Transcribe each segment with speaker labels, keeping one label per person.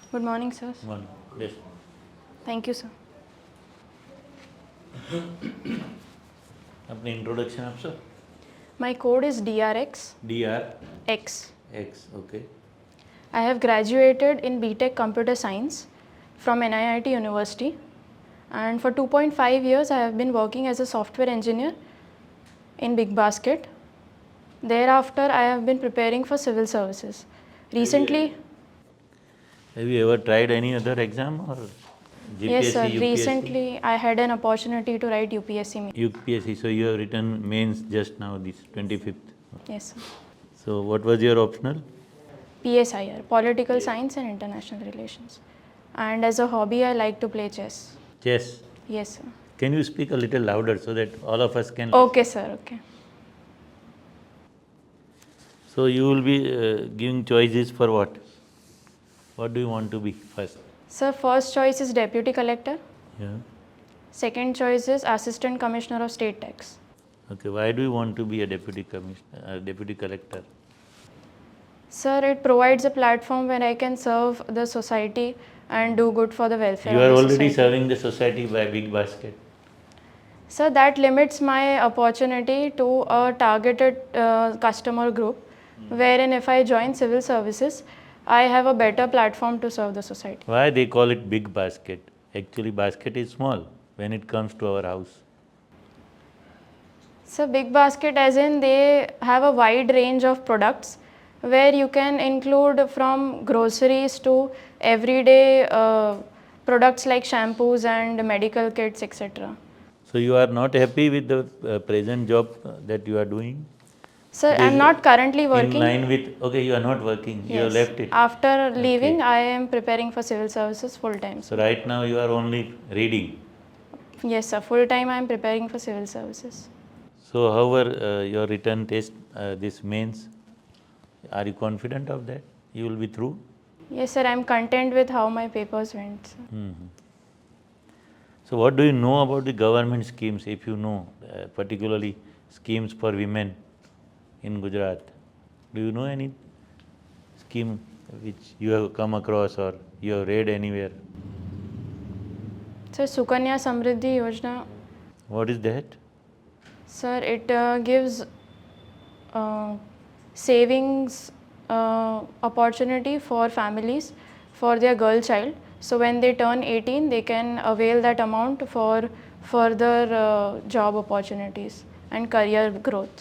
Speaker 1: Good morning, sir.
Speaker 2: One. Yes.
Speaker 1: Thank you, sir.
Speaker 2: अपनी introduction आपसे.
Speaker 1: My code is DRX
Speaker 2: DRX.
Speaker 1: X.
Speaker 2: Okay.
Speaker 1: I have graduated in BTech Computer Science from NIIT University, and for 2.5 years I have been working as a software engineer in Big Basket. Thereafter, I have been preparing for civil services. Recently,
Speaker 2: Have you ever tried any other exam or GPSC,
Speaker 1: yes, sir.
Speaker 2: UPSC?
Speaker 1: Recently, I had an opportunity to write UPSC main.
Speaker 2: UPSC. So you have written mains just now, this 25th.
Speaker 1: Yes, sir.
Speaker 2: So what was your optional?
Speaker 1: PSIR, Political Science and International Relations. And as a hobby, I like to play chess.
Speaker 2: Chess.
Speaker 1: Yes, sir.
Speaker 2: Can you speak a little louder so that all of us can?
Speaker 1: Okay, sir. Okay.
Speaker 2: So you will be giving choices for what? What do you want to be first?
Speaker 1: Sir, first choice is Deputy Collector.
Speaker 2: Yeah.
Speaker 1: Second choice is Assistant Commissioner of State Tax.
Speaker 2: Okay. Why do you want to be a deputy commissioner, deputy collector?
Speaker 1: Sir, it provides a platform where I can serve the society and do good for the welfare
Speaker 2: You
Speaker 1: of
Speaker 2: are
Speaker 1: the
Speaker 2: already
Speaker 1: society.
Speaker 2: serving the society by Big Basket.
Speaker 1: Sir, that limits my opportunity to a targeted customer group, wherein if I join civil services, I have a better platform to serve the society.
Speaker 2: Why they call it Big Basket? Actually, basket is small when it comes to our house.
Speaker 1: So Big Basket as in they have a wide range of products where you can include from groceries to everyday products like shampoos and medical kits, etc.
Speaker 2: So you are not happy with the present job that you are doing?
Speaker 1: Sir,
Speaker 2: It
Speaker 1: I am
Speaker 2: is
Speaker 1: not currently
Speaker 2: In
Speaker 1: working.
Speaker 2: line with, okay, you are not working, you have
Speaker 1: Yes.
Speaker 2: left it.
Speaker 1: After leaving,
Speaker 2: Okay.
Speaker 1: I am preparing for civil services full time.
Speaker 2: So right now you are only reading.
Speaker 1: Yes, sir. Full time I am preparing for civil services.
Speaker 2: So however, your written test, this mains, are you confident of that? You will be through?
Speaker 1: Yes, sir. I am content with how my papers went. Sir.
Speaker 2: So what do you know about the government schemes, if you know, particularly schemes for women in Gujarat? Do you know any scheme which you have come across or you have read anywhere?
Speaker 1: Sir, Sukanya Samriddhi Yojana.
Speaker 2: What is that?
Speaker 1: Sir, it gives savings opportunity for families for their girl child. So when they turn 18, they can avail that amount for further job opportunities and career growth.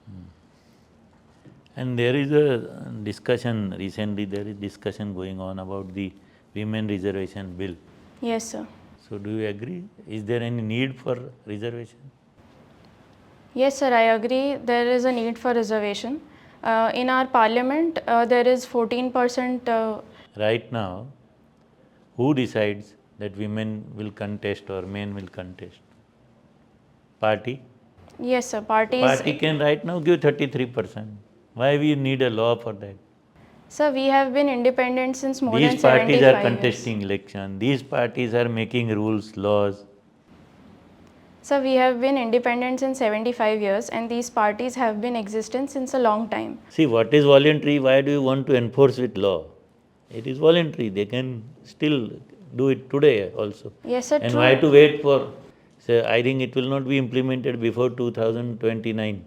Speaker 2: And there is a discussion, recently there is discussion going on about the women reservation bill.
Speaker 1: Yes, sir.
Speaker 2: So do you agree? Is there any need for reservation?
Speaker 1: Yes, sir, I agree. There is a need for reservation. In our parliament, there is 14%.
Speaker 2: Right now, who decides that women will contest or men will contest? Party?
Speaker 1: Yes, sir. Parties.
Speaker 2: Party can right now give 33%. Why we need a law for that?
Speaker 1: Sir, we have been independent since more
Speaker 2: These
Speaker 1: than
Speaker 2: parties
Speaker 1: 75
Speaker 2: are contesting election. These parties are making rules, laws.
Speaker 1: years. Sir, we have been independent since 75 years and these parties have been existent since a long time.
Speaker 2: See, what is voluntary? Why do you want to enforce with law? It is voluntary. They can still do it today also.
Speaker 1: Yes, sir.
Speaker 2: And
Speaker 1: True.
Speaker 2: why to wait for, say, I think it will not be implemented before 2029.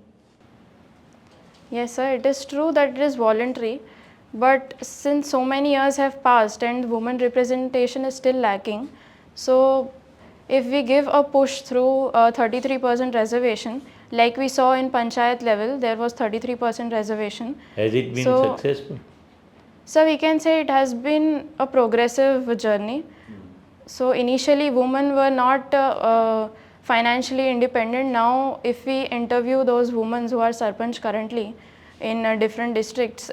Speaker 1: Yes, sir. It is true that it is voluntary, but since so many years have passed and women representation is still lacking, so if we give a push through 33% reservation, like we saw in Panchayat level, there was 33% reservation.
Speaker 2: Has it been
Speaker 1: So-
Speaker 2: successful?
Speaker 1: So we can say it has been a progressive journey. So initially women were not financially independent. Now if we interview those women who are sarpanch currently in different districts,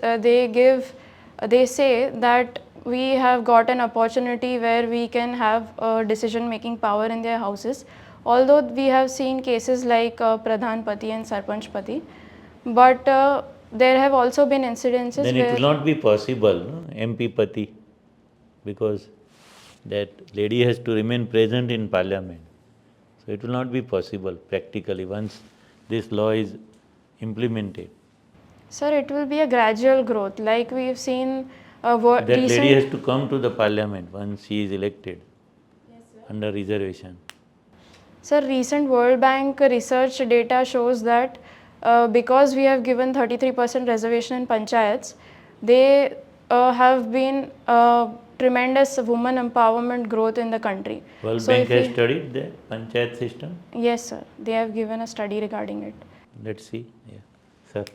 Speaker 1: they say that we have got an opportunity where we can have decision making power in their houses. Although we have seen cases like Pradhan Pati and Sarpanch Pati, but there have also been incidences
Speaker 2: Then
Speaker 1: where
Speaker 2: it will not be possible, no? MP Pati, because that lady has to remain present in parliament. So it will not be possible practically once this law is implemented.
Speaker 1: Sir, it will be a gradual growth. Like we've seen
Speaker 2: That lady
Speaker 1: recent,
Speaker 2: has to come to the parliament once she is elected under reservation.
Speaker 1: sir, recent World Bank research data shows that because we have given 33% reservation in panchayats, they have been tremendous women empowerment growth in the country.
Speaker 2: World
Speaker 1: So
Speaker 2: Bank
Speaker 1: if
Speaker 2: has
Speaker 1: we,
Speaker 2: studied the panchayat system.
Speaker 1: yes, sir, they have given a study regarding it.
Speaker 2: Let's see. Yeah. Sir.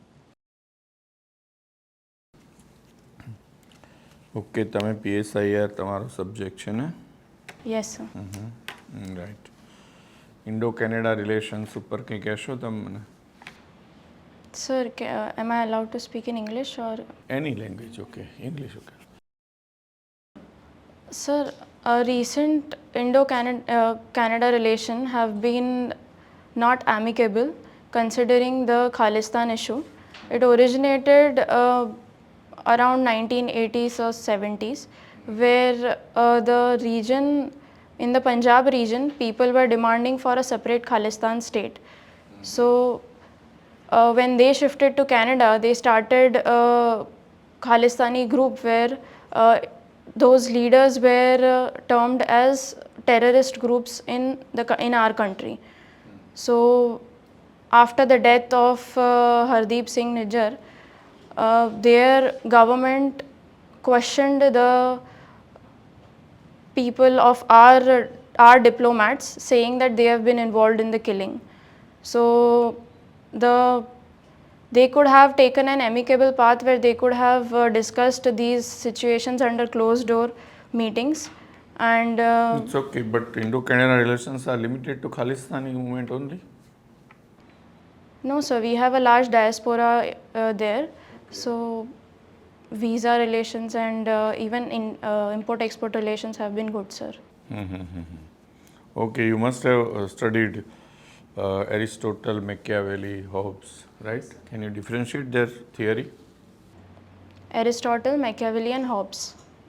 Speaker 3: Okay તમે PSIR તમારો subject છે ને
Speaker 1: Yes, sir.
Speaker 3: Right Indo Canada relations ઉપર કંઈ કહેશો તમે મને
Speaker 1: Sir, am I allowed to speak in English or?
Speaker 3: Any language okay English okay
Speaker 1: Sir, a recent Indo-Canada relation have been not amicable considering the Khalistan issue. It originated around 1980s or 70s, where the region, in the Punjab region, people were demanding for a separate Khalistan state. So when they shifted to Canada, they started a Khalistani group where those leaders were termed as terrorist groups in our country. So after the death of Hardeep Singh Nijjar, their government questioned the people of our diplomats, saying that they have been involved in the killing. So they could have taken an amicable path where they could have discussed these situations under closed door meetings, and
Speaker 3: it's okay but Indo Canada relations are limited to Khalistani movement only
Speaker 1: no, sir, we have a large diaspora there, so visa relations and even in import export relations have been good, sir.
Speaker 3: Okay you must have studied Aristotle Machiavelli Hobbes right can you differentiate their theory
Speaker 1: Aristotle, Machiavelli and Hobbes.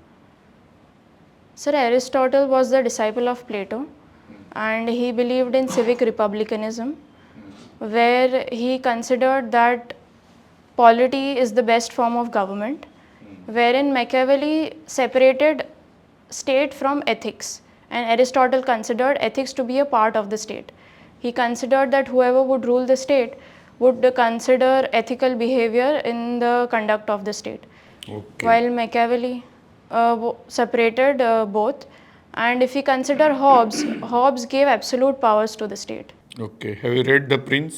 Speaker 1: Sir, Aristotle was the disciple of Plato, and he believed in civic republicanism, where he considered that polity is the best form of government, wherein Machiavelli separated state from ethics, and Aristotle considered ethics to be a part of the state. He considered that whoever would rule the state would consider ethical behavior in the conduct of the state.
Speaker 3: Okay
Speaker 1: While Machiavelli separated both, and if we consider Hobbes, Hobbes gave absolute powers to the state.
Speaker 3: Okay have you read the prince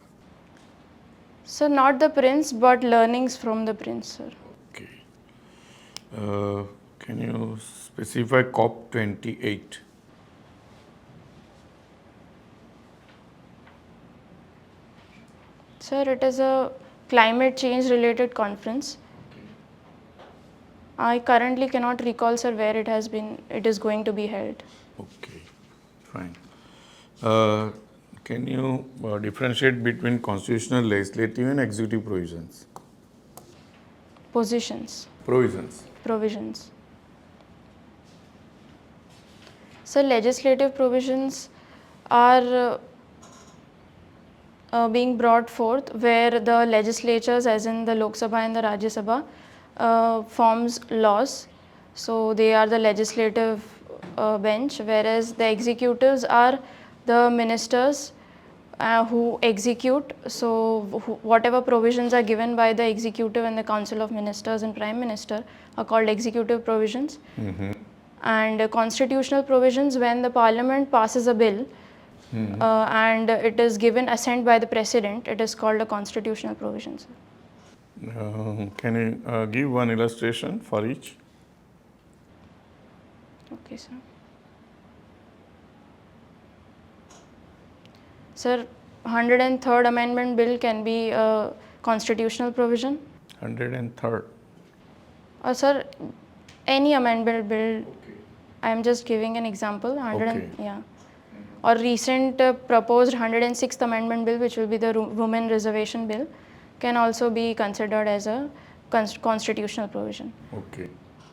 Speaker 1: So not the prince, but learnings from the prince, sir.
Speaker 3: Okay can you specify COP28
Speaker 1: Sir, it is a climate change related conference. I currently cannot recall, sir, where it is going to be held.
Speaker 3: Okay, fine. Can you differentiate between constitutional, legislative, and executive provisions?
Speaker 1: Provisions. So legislative provisions are being brought forth where the legislatures, as in the Lok Sabha and the Rajya Sabha, forms laws. So they are the legislative bench, whereas the executives are the ministers who execute. So whatever provisions are given by the executive and the Council of Ministers and Prime Minister are called executive provisions. And constitutional provisions, when the Parliament passes a bill and it is given assent by the President, it is called a constitutional provision.
Speaker 3: Can you give one illustration for each?
Speaker 1: Okay, sir. Sir, 103rd Amendment Bill can be a constitutional provision.
Speaker 3: 103rd.
Speaker 1: Sir, any amendment bill. I am just giving an example.
Speaker 3: Okay.
Speaker 1: Yeah. Or recent proposed 106th Amendment Bill, which will be the Women Reservation Bill, can also be considered as a constitutional provision.
Speaker 3: Okay.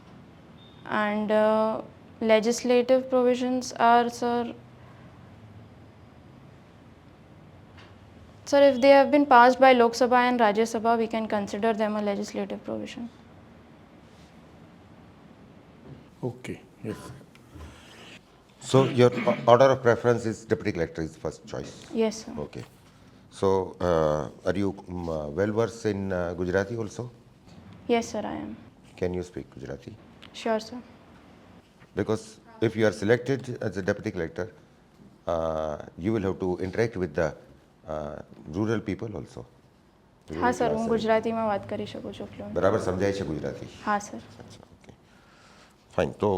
Speaker 1: And legislative provisions are, sir, if they have been passed by Lok Sabha and Rajya Sabha, we can consider them a legislative provision.
Speaker 3: Okay, yes.
Speaker 4: So your order of preference is deputy collector is first choice.
Speaker 1: Yes, sir.
Speaker 4: Okay. So are you well versed in Gujarati also?
Speaker 1: Yes, sir, I am.
Speaker 4: Can you speak Gujarati?
Speaker 1: Sure, sir.
Speaker 4: Because if you are selected as a deputy collector, you will have to interact with the rural people also.
Speaker 1: હા sir, હું ગુજરાતીમાં વાત કરી શકું છું fluent.
Speaker 4: બરાબર સમજાય છે ગુજરાતી?
Speaker 1: હા સર.
Speaker 4: અચ્છા, ઓકે, ફાઇન. તો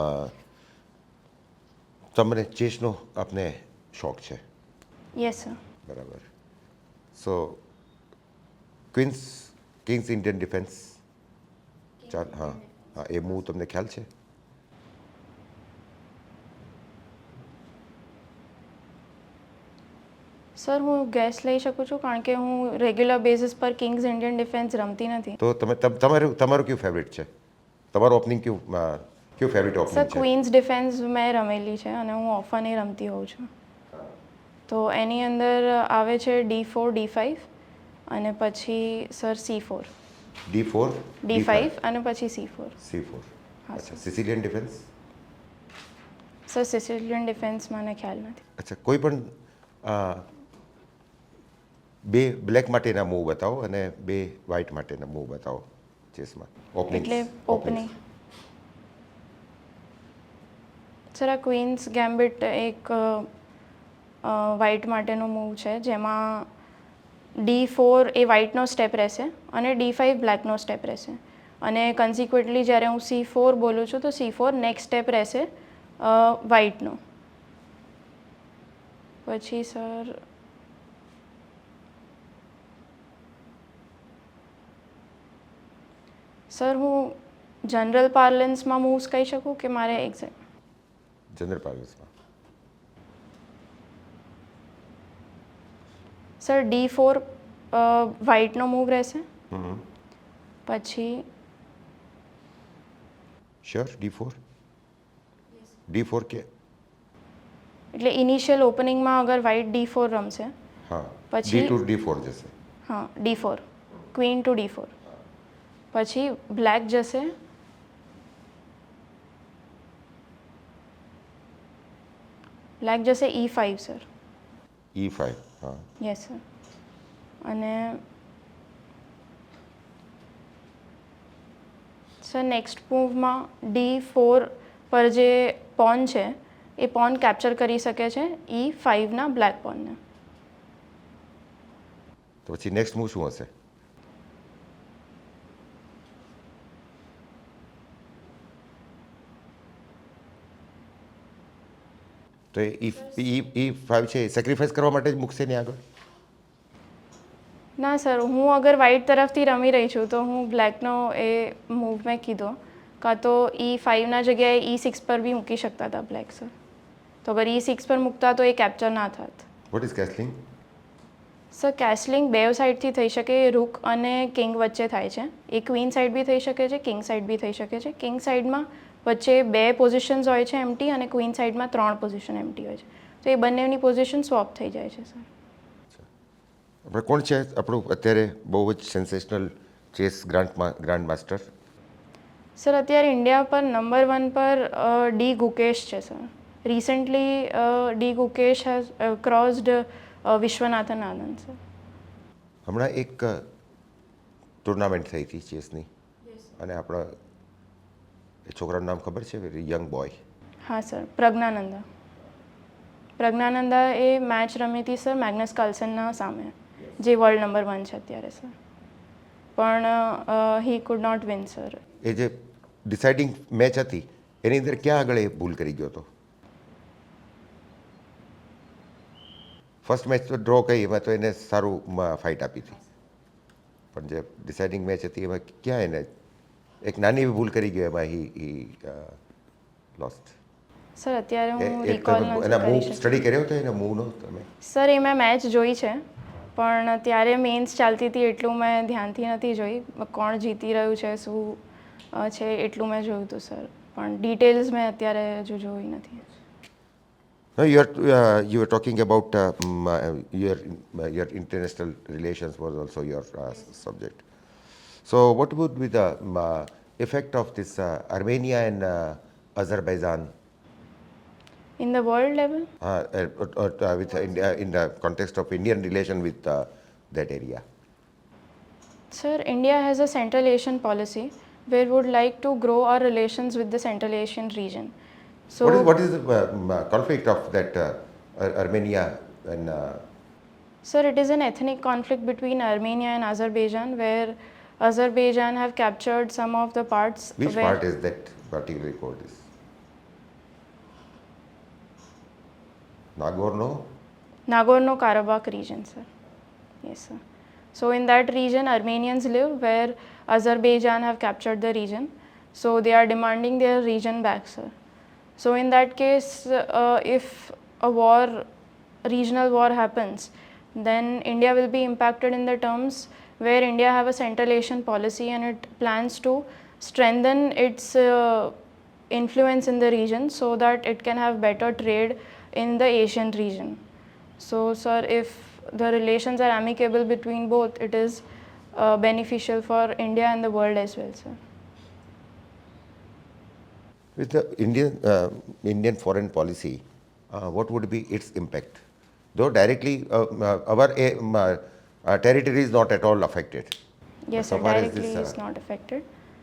Speaker 4: તમને ચેસનો આપને શોખ છે?
Speaker 1: Yes sir.
Speaker 4: બરાબર. સો કિંગ્સ ઇન્ડિયન ડિફેન્સ, ચાલ, હા હા, એ મૂવ તમને ખ્યાલ છે?
Speaker 1: સર, હું ગેસ લઈ શકું છું કારણ કે હું રેગ્યુલર બેઝિસ પર કિંગ્સ ઇન્ડિયન ડિફેન્સ રમતી નથી.
Speaker 4: તો તમારું કયું ફેવરિટ છે? તમારું ઓપનિંગ કયું ફેવરિટ
Speaker 1: સર,
Speaker 4: ઓપનિંગ છે?
Speaker 1: ક્વીન્સ ડિફેન્સ મેં રમેલી છે અને હું ઓફન એ રમતી હોઉં છું. તો એની અંદર આવે છે D4 D5 અને પછી સર C4
Speaker 4: D4
Speaker 1: D5 અને પછી C4.
Speaker 4: C4.
Speaker 1: હા,
Speaker 4: અચ્છા,
Speaker 1: sir.
Speaker 4: Sicilian defence?
Speaker 1: Sir, Sicilian defence મને ખ્યાલ નથી.
Speaker 4: અચ્છા, કોઈ પણ બે બ્લેક માટેના મૂવ બતાવો અને બે વ્હાઇટ માટેના મૂવ બતાવો ચેસમાં.
Speaker 1: એટલે ઓપનિંગ સર, આ ક્વીન્સ ગેમ્બિટ એક વ્હાઇટ માટેનો મૂવ છે જેમાં D4 એ વ્હાઇટનો સ્ટેપ રહેશે અને D5 બ્લેકનો સ્ટેપ રહેશે અને કન્સિક્વન્ટલી જ્યારે હું C4 બોલું છું તો C4 નેક્સ્ટ સ્ટેપ રહેશે વ્હાઇટનો. પછી સર હું જનરલ પાર્લન્સમાં મૂવ્સ કહી શકું કે મારે એક્ઝેક્ટ?
Speaker 4: જનરલ પાર્લન્સમાં
Speaker 1: સર, D4 વ્હાઇટનો મૂવ રહેશે. પછી
Speaker 4: શ્યોર D4 કે
Speaker 1: એટલે ઇનિશિયલ ઓપનિંગમાં અગર વ્હાઇટ D4 રમશે
Speaker 4: હા,
Speaker 1: પછી
Speaker 4: D4 જશે.
Speaker 1: હા, D4 ક્વીન ટુ D4 પછી બ્લેક જશે E5 સર.
Speaker 4: E5, હા.
Speaker 1: Yes sir. અને સર નેક્સ્ટ મૂવમાં D4 પર જે પોન છે એ પોન કેપ્ચર કરી શકે છે E5ના બ્લેક પોનને.
Speaker 4: તો પછી નેક્સ્ટ મૂવ શું હશે? તો E5 છે એ સેક્રિફાઈસ કરવા માટે જ મૂકશે ને આગળ?
Speaker 1: ના સર, હું અગર વ્હાઇટ તરફથી રમી રહી છું તો હું બ્લેકનો એ મૂવ મેં કીધો કાં તો E5ના જગ્યાએ E6 પર બી મૂકી શકતા હતા બ્લેક સર. તો અગર E6 પર મૂકતા તો એ કેપ્ચર ના થાત.
Speaker 4: What is castling?
Speaker 1: Sir, castling બે સાઇડથી થઈ શકે. રૂક અને કિંગ વચ્ચે થાય છે. એ ક્વીન સાઇડ બી થઈ શકે છે, કિંગ સાઇડ બી થઈ શકે છે. કિંગ સાઇડમાં વચ્ચે બે પોઝિશન્સ હોય છે એમ્પ્ટી અને ક્વીન સાઇડમાં 3 પોઝિશન એમ્પ્ટી હોય છે. તો એ બંનેની પોઝિશન સ્વોપ થઈ જાય છે સર.
Speaker 4: આપણે કોણ છે આપણું અત્યારે બહુ જ sensational chess grand master?
Speaker 1: Sir, અત્યારે ઇન્ડિયા પર નંબર 1 પર ડી ગુકેશ છે sir. Recently D Gukesh has crossed Viswanathan Anand sir.
Speaker 4: હમણાં એક ટુર્નામેન્ટ થઈ હતી ચેસની અને આપણા એ છોકરાનું નામ ખબર છે? Very young boy.
Speaker 1: હા સર, પ્રજ્ઞાનંદા એ મેચ રમી હતી સર મેગ્નસ કાર્લસનના સામે, જે વર્લ્ડ નંબર 1 છે અત્યારે સર. પણ he could not win sir.
Speaker 4: એ જે ડિસાઇડિંગ મેચ હતી એની અંદર ક્યાં આગળ એ ભૂલ કરી ગયો હતો? ફર્સ્ટ મેચ તો ડ્રો કહી, એમાં તો એને સારું ફાઇટ આપી હતી, પણ જે ડિસાઇડિંગ મેચ હતી એમાં ક્યાં એને એક નાની એવી ભૂલ કરી ગયો, એમાં હી લોસ્ટ.
Speaker 1: સર, અત્યારે હું રિકોલ નથી
Speaker 4: એના
Speaker 1: કરી
Speaker 4: મૂવ
Speaker 1: શકતી.
Speaker 4: સ્ટડી કર્યો હતો એના મૂવનો તમે?
Speaker 1: સર, એ મેં મેચ જોઈ છે પણ ત્યારે મેન્સ ચાલતી હતી એટલું મેં ધ્યાનથી નથી જોઈ. કોણ જીતી રહ્યું છે, શું છે એટલું મેં જોયું હતું સર, પણ ડિટેલ્સ મેં અત્યારે હજુ જોઈ નથી.
Speaker 4: No, you are talking about your international relations was also your subject. So what would be the effect of this Armenia and Azerbaijan,
Speaker 1: In the world level,
Speaker 4: with India, in the context of Indian relation with that area?
Speaker 1: sir, India has a Central Asian policy where we would like to grow our relations with the Central Asian region. So,
Speaker 4: What is the conflict of that Armenia and
Speaker 1: sir, it is an ethnic conflict between Armenia and Azerbaijan where Azerbaijan have captured some of the parts.
Speaker 4: which
Speaker 1: where
Speaker 4: part is that particularly called this? Nagorno?
Speaker 1: Nagorno-Karabakh region, sir. Yes, sir. So in that region, Armenians live where Azerbaijan have captured the region. So they are demanding their region back, sir. So in that case, if a regional war happens, then India will be impacted in the terms where India have a Central Asian policy and it plans to strengthen its influence in the region so that it can have better trade in the Asian region. So, sir, if the relations are amicable between both, it is beneficial for India and the world as well, sir.
Speaker 4: With the Indian foreign policy, what would be its impact? Though directly our territory is not at all affected.
Speaker 1: Yes,
Speaker 4: So
Speaker 1: sir,
Speaker 4: far as
Speaker 1: directly
Speaker 4: this,
Speaker 1: is not affected.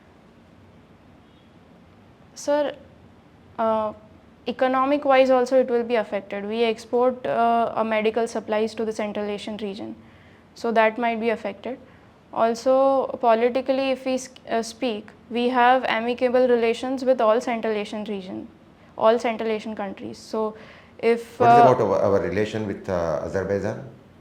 Speaker 1: Sir, economic wise also it will be affected. We export medical supplies to the Central Asian region, so that might be affected. Also, politically, if we speak, we have amicable relations with all Central Asian region, all Central Asian countries. So, if
Speaker 4: What is about our relation with Azerbaijan?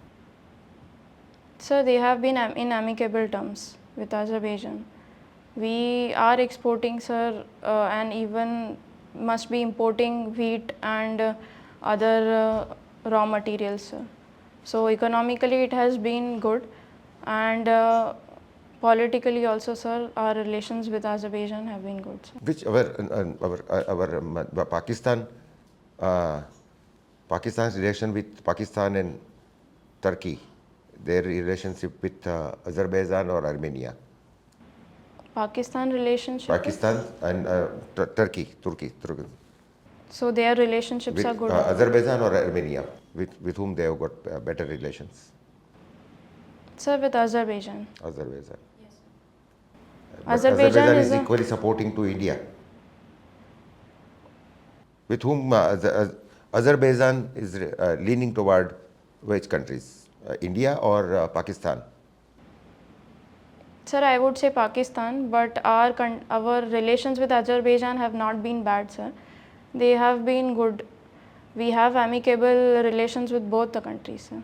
Speaker 1: sir, they have been in amicable terms with Azerbaijan. We are exporting, sir, and even must be importing wheat and other raw materials, sir. So economically it has been good, and politically also, sir, our relations with Azerbaijan have been good, sir.
Speaker 4: Which our Pakistan's relation with Pakistan and Turkey, their relationship with Azerbaijan or Armenia?
Speaker 1: Pakistan relationship.
Speaker 4: Pakistan and Turkey.
Speaker 1: So their relationships
Speaker 4: With
Speaker 1: are good.
Speaker 4: Azerbaijan or Armenia, with whom they have got better relations?
Speaker 1: Sir, with Azerbaijan.
Speaker 4: Azerbaijan. But
Speaker 1: Azerbaijan is a-
Speaker 4: equally supporting to India. With whom Azerbaijan is leaning toward which countries? India or Pakistan?
Speaker 1: Sir, I would say Pakistan, but our relations with Azerbaijan have not been bad, sir. They have been good. We have amicable relations with both the countries, sir.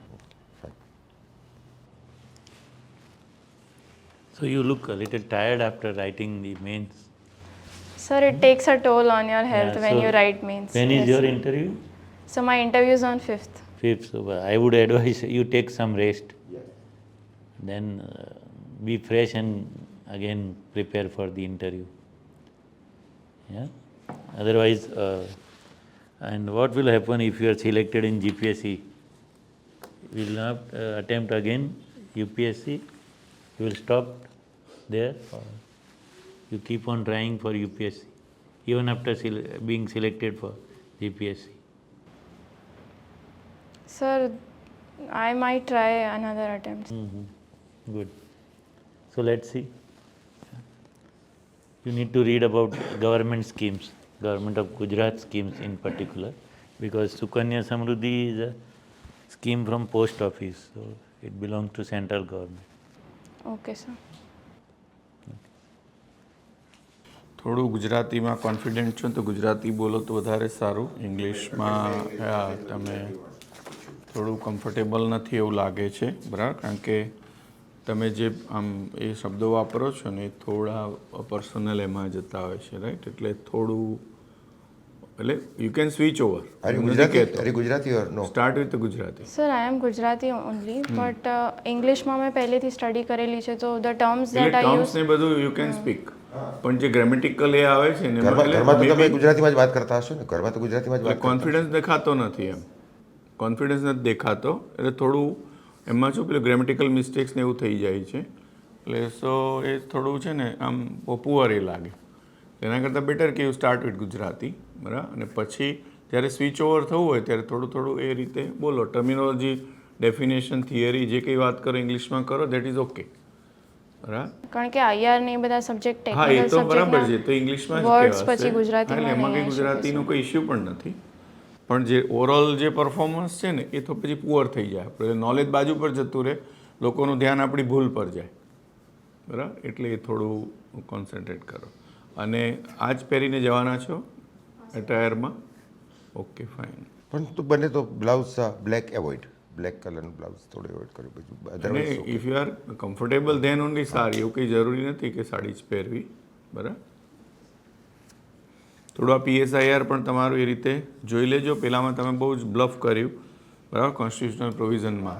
Speaker 2: So you look a little tired after writing the mains.
Speaker 1: Sir, it takes a toll on your health
Speaker 2: Yeah,
Speaker 1: when
Speaker 2: so
Speaker 1: you write mains.
Speaker 2: When is
Speaker 1: Yes,
Speaker 2: your
Speaker 1: sir.
Speaker 2: interview?
Speaker 1: So my interview is on 5th.
Speaker 2: 5th. So I would advise you take some rest. Then be fresh and again prepare for the interview. Yeah. Otherwise, and what will happen if you are selected in GPSC? You will not attempt again UPSC. You will stop there, or you keep on trying for UPSC even after being selected for GPSC.
Speaker 1: Sir, I might try another attempt.
Speaker 2: Good. So let's see. You need to read about government schemes, government of Gujarat schemes in particular, because Sukanya Samruddhi is a scheme from post office, so it belongs to central government.
Speaker 1: Okay, sir.
Speaker 3: થોડું ગુજરાતીમાં confident છો તો ગુજરાતી બોલો તો વધારે સારું. ઇંગ્લિશમાં તમે થોડું કમ્ફર્ટેબલ નથી એવું લાગે છે, બરાબર? કારણ કે તમે જે આમ એ શબ્દો વાપરો છો ને એ થોડા પર્સનલ એમાં જતા હોય છે, રાઈટ? એટલે થોડું એટલે you can switch over.
Speaker 4: Are you Gujarati or no?
Speaker 3: Start with Gujarati.
Speaker 1: Sir, I am Gujarati only, but ઇંગ્લિશમાં મેં પહેલેથી સ્ટડી કરેલી છે, તો the terms
Speaker 3: એટલે
Speaker 1: that I
Speaker 3: ટર્મ્સ
Speaker 1: use.
Speaker 3: ને બધું યુ કેન સ્પીક, પણ જે ગ્રામેટિકલ એ આવે છે ને
Speaker 4: ઘરમાં તો તમે ગુજરાતીમાં જ વાત કરતા હશો ને? ઘરમાં તો ગુજરાતીમાં જ વાત કરતા
Speaker 3: કોન્ફિડન્સ દેખાતો નથી, એમ કોન્ફિડન્સ નથી દેખાતો, એટલે થોડું એમાં શું પેલું ગ્રામેટિકલ મિસ્ટેક્સ ને એવું થઈ જાય છે, એટલે સો એ થોડું છે ને આમ પુઅર એ લાગે. એના કરતાં બેટર કે યુ સ્ટાર્ટ વિથ ગુજરાતી, બરાબર, અને પછી જ્યારે સ્વિચ ઓવર થવું હોય ત્યારે થોડું થોડું એ રીતે બોલો. ટર્મિનોલોજી, ડેફિનેશન, થિયરી જે કંઈ વાત કરો ઇંગ્લિશમાં કરો, દેટ ઇઝ ઓકે, બરાબર.
Speaker 1: કારણ કે IR ને એ બધા સબ્જેક્ટ
Speaker 3: હા, એ
Speaker 1: ટેકનિકલ
Speaker 3: તો બરાબર છે,
Speaker 1: સબ્જેક્ટ
Speaker 3: તો ઇંગ્લિશમાં જ
Speaker 1: વર્ડ્સ
Speaker 3: કહેવાશે.
Speaker 1: પછી ગુજરાતીમાં
Speaker 3: હા, એટલે એમાં કંઈ
Speaker 1: નહીં આવી
Speaker 3: ગુજરાતીનો કોઈ ઇશ્યુ પણ નથી, પણ જે ઓવરઓલ જે પરફોર્મન્સ છે ને એ તો પછી પુઅર થઈ જાય. આપણે નોલેજ બાજુ પર જતું રહે, લોકોનું ધ્યાન આપણી ભૂલ પર જાય, બરાબર. એટલે એ થોડું કોન્સન્ટ્રેટ કરો. અને આ જ પહેરીને જવાના છો એટાયરમાં? Okay, fine.
Speaker 4: પણ તો બને તો બ્લાઉઝ બ્લેક એવોઇડ, બ્લેક કલરનું બ્લાઉઝ થોડું એવોઇડ કર્યું બધું
Speaker 3: અને
Speaker 4: otherwise
Speaker 3: if you are comfortable then only sari, એવું કંઈ જરૂરી નથી કે સાડી જ પહેરવી, બરાબર. થોડું આ PSIR પણ તમારું એ રીતે જોઈ લેજો. પહેલાંમાં તમે બહુ જ બ્લફ કર્યું, બરાબર. કોન્સ્ટિટ્યુશનલ પ્રોવિઝનમાં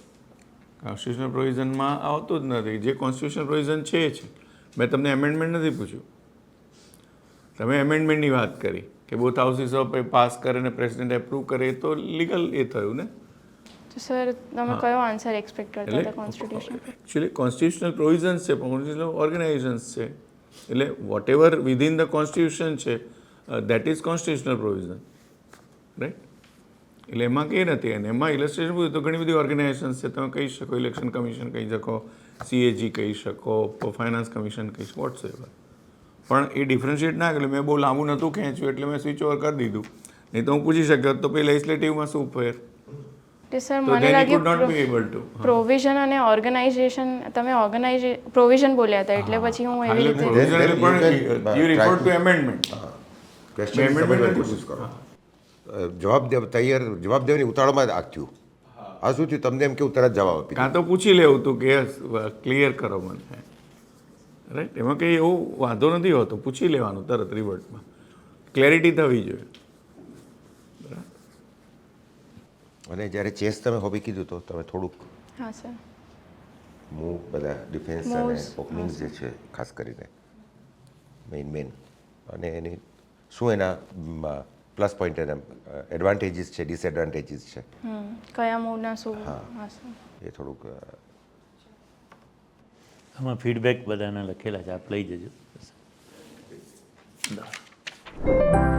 Speaker 3: આવતું જ નથી. જે કોન્સ્ટિટ્યુશનલ પ્રોવિઝન છે એ છે. મેં તમને એમેન્ડમેન્ટ નથી પૂછ્યું, તમે એમેન્ડમેન્ટની વાત કરી કે બોથ હાઉસીસ ઓફ પાસ કરે ને પ્રેસિડેન્ટ એપ્રૂવ કરે, એ તો લીગલ એ થયું ને.
Speaker 1: તો સર તમે કયો આન્સર એક્સપેક્ટ કરતા હતા
Speaker 3: એટલે
Speaker 1: કોન્સ્ટિટ્યુશન?
Speaker 3: એકચ્યુઅલી કોન્સ્ટિટ્યુશનલ પ્રોવિઝન્સ છે, પણ કોન્સ્ટિટ્યુશનલ ઓર્ગેનાઇઝેશન્સ છે. એટલે whatever within the constitution છે, that is constitutional provision, right. એટલે એમાં કંઈ નથી. અને એમાં ઇલસ્ટ્રેશન પૂછ્યું તો ઘણી બધી ઓર્ગેનાઇઝેશન્સ છે. તમે કહી શકો ઇલેક્શન કમિશન કહી શકો, CAG કહી શકો, ફાઇનાન્સ કમિશન કહી શકો, વોટ્સ એવર. પણ એ ડિફરન્શિએટ ના કર્યું. મેં બહુ લાંબુ નહોતું ખેંચ્યું એટલે મેં સ્વિચ ઓવર કરી દીધું. નહીં તો હું પૂછી શક્યો તો પછી લેજિસ્લેટિવમાં શું ફેર,
Speaker 1: કે સર
Speaker 3: તો
Speaker 1: મને
Speaker 3: then he could not be
Speaker 1: લાગ્યું
Speaker 3: able to.
Speaker 1: પ્રોવિઝન અને ઓર્ગેનાઇઝેશન, તમે પ્રોવિઝન બોલ્યા હતા એટલે પછી હું એવી રીતે
Speaker 3: Provisional
Speaker 4: then you
Speaker 3: પણ
Speaker 4: can,
Speaker 3: you
Speaker 4: try
Speaker 3: refer
Speaker 4: to-
Speaker 3: to amendment.
Speaker 4: Question
Speaker 3: Amendment
Speaker 4: સમજવાની
Speaker 3: નથી
Speaker 4: કોશિશ કરો. જવાબ દેવાની ઉતાળોમાં આ થયું. આ શું થયું તમને એમ કેવું તરત જવાબ આપી
Speaker 3: કાં તો પૂછી લેવું તું કે ક્લિયર કરો મને, રાઈટ. એમાં કંઈ એવું વાંધો નથી હોતો, પૂછી લેવાનું તરત રિવર્ટમાં, ક્લેરિટી થવી જોઈએ.
Speaker 4: અને જ્યારે ચેસ તમે હોબી કીધું તો તમે થોડુંક
Speaker 1: હા સર
Speaker 4: મૂવ બધા ડિફેન્સ અને
Speaker 1: Moves,
Speaker 4: ઓપનિંગ્સ જે છે ખાસ કરીને મેઇન અને એની શું એના પ્લસ પોઈન્ટ એના એડવાન્ટેજીસ છે, ડિસએડવાન્ટેજીસ છે,
Speaker 1: કયા મૂવના શું? હા સર
Speaker 4: એ થોડુંક
Speaker 2: આમાં ફીડબેક બધાના લખેલા છે, આપ લઈ જજો.